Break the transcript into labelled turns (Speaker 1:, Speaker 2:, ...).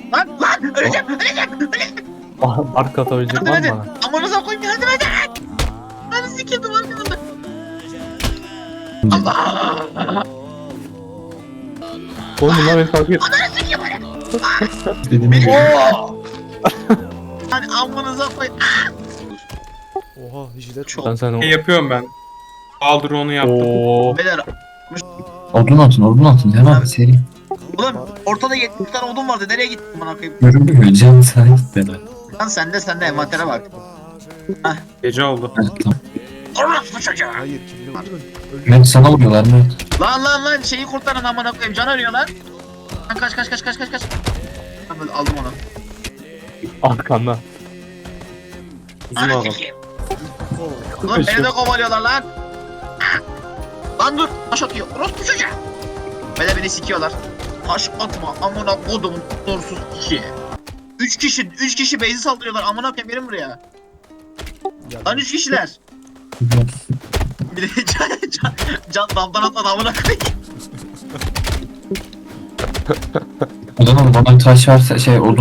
Speaker 1: Lan öleceğim.
Speaker 2: Ark atabilecek var mı?
Speaker 1: Amanıza koyayım yardım edin. Ben sikiyordum arkamda. Allah.
Speaker 2: Oğlum bunlar beni takip et.
Speaker 1: Ananı sikiyim beni.
Speaker 3: Dediğim gibi.
Speaker 1: Hani amanıza koyayım.
Speaker 4: Oha jilet
Speaker 1: Çok.
Speaker 2: Ben sen o...
Speaker 5: Yapıyorum ben. Aldır onu yaptım.
Speaker 2: Ooo.
Speaker 1: Beyler.
Speaker 3: Odun atın. Hemen seri.
Speaker 1: Ulan ortada 70 tane odun vardı. Nereye gittin bana koyayım?
Speaker 3: Göründü mü? Can sana gitmedi.
Speaker 1: Lan sende envantere bak.
Speaker 5: Gece oldu.
Speaker 3: Evet, tamam.
Speaker 1: Orası çocuğa.
Speaker 4: Hayır kimle öldürün.
Speaker 3: Mert sana vuruyorlar Mert.
Speaker 1: Lan şeyi kurtarın amına koyayım. Can arıyor lan. Lan kaç. Ben böyle aldım onu.
Speaker 2: Arkanda. Uzun
Speaker 1: Ananı
Speaker 2: adam.
Speaker 1: sikeyim. Ulan beni de kovalıyorlar lan. Lan dur. Taş atıyor. Orospu çocuğa. Böyle beni sikiyorlar. Taş atma. Amına kodumun dorsuz kişi. 3 kişi base'i saldırıyorlar. Amına koyayım gelin buraya. Lan 3 kişiler. Bir de can damdan atladı amına koyayım.
Speaker 3: Odun bana taş verse odun